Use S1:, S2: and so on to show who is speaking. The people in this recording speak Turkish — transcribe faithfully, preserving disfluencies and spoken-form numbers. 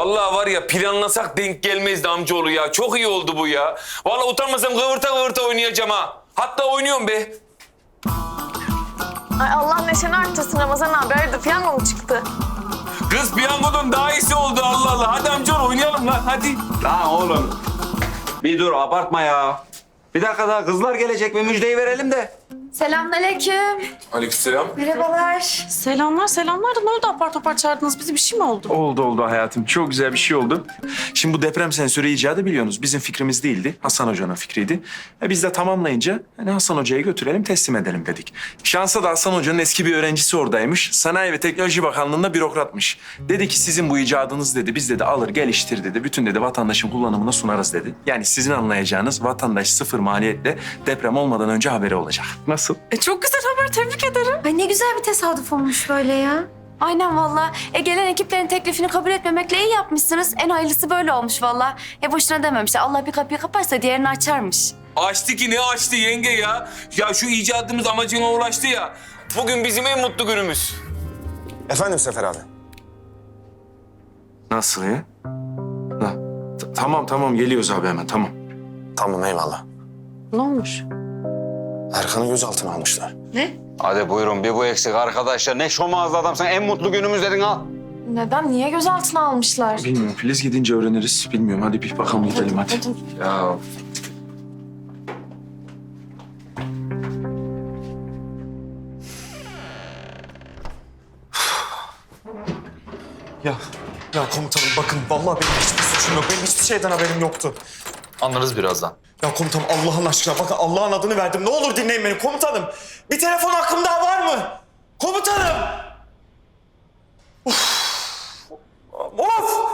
S1: Vallahi var ya planlasak denk gelmezdi amcaoğlu ya. Çok iyi oldu bu ya. Vallahi utanmasam kıvırta kıvırta oynayacağım ha. Hatta oynuyorum be.
S2: Ay Allah neşeni arttırsın Ramazan abi. Hayırdır piyango mu çıktı?
S1: Kız piyangodan daha iyisi oldu Allah Allah. Hadi amcaoğlu oynayalım lan hadi.
S3: Lan oğlum. Bir dur abartma ya. Bir dakika daha kızlar gelecek ve müjdeyi verelim de.
S4: Selamünaleyküm.
S1: Aleykümselam.
S4: Merhabalar.
S5: Selamlar selamlar da ne oldu apar topar çağırdınız bizi, bir şey mi oldu?
S6: Oldu oldu hayatım. Çok güzel bir şey oldu. Şimdi bu deprem sensörü icadı biliyorsunuz. Bizim fikrimiz değildi. Hasan Hoca'nın fikriydi. E biz de tamamlayınca hani Hasan Hoca'ya götürelim teslim edelim dedik. Şansa da Hasan Hoca'nın eski bir öğrencisi oradaymış. Sanayi ve Teknoloji Bakanlığı'nda bürokratmış. Dedi ki sizin bu icadınız dedi. Biz dedi alır geliştir dedi. Bütün dedi vatandaşın kullanımına sunarız dedi. Yani sizin anlayacağınız vatandaş sıfır maliyetle deprem olmadan önce haberi olacak. Nasıl?
S5: E çok güzel haber, tebrik ederim.
S4: Ay ne güzel bir tesadüf olmuş böyle ya. Aynen valla. E gelen ekiplerin teklifini kabul etmemekle iyi yapmışsınız. En hayırlısı böyle olmuş valla. E boşuna dememişler. Allah bir kapıyı kaparsa diğerini açarmış.
S1: Açtı ki ne açtı yenge ya. Ya şu icadımız amacına ulaştı ya. Bugün bizim en mutlu günümüz.
S7: Efendim Sefer abi.
S6: Nasıl ya? Ha, t- tamam tamam geliyoruz abi hemen tamam.
S7: Tamam eyvallah.
S5: Ne olmuş?
S7: Erkan'ı gözaltına almışlar.
S3: Hadi buyurun bir bu eksik arkadaşlar. Ne şomazlı adamsın. En mutlu günümüz dedin al.
S2: Neden? Niye gözaltına almışlar?
S6: Bilmiyorum Filiz gidince öğreniriz. Bilmiyorum hadi bir bakalım gidelim hadi.
S3: Ya
S7: Ya, ya komutanım bakın vallahi benim hiçbir suçum yok. Benim hiçbir şeyden haberim yoktu.
S8: Anlarız birazdan.
S7: Ya komutanım Allah'ın aşkına bakın Allah'ın adını verdim. Ne olur dinleyin beni komutanım. Bir telefon hakkım daha var mı? Komutanım! Of! Of!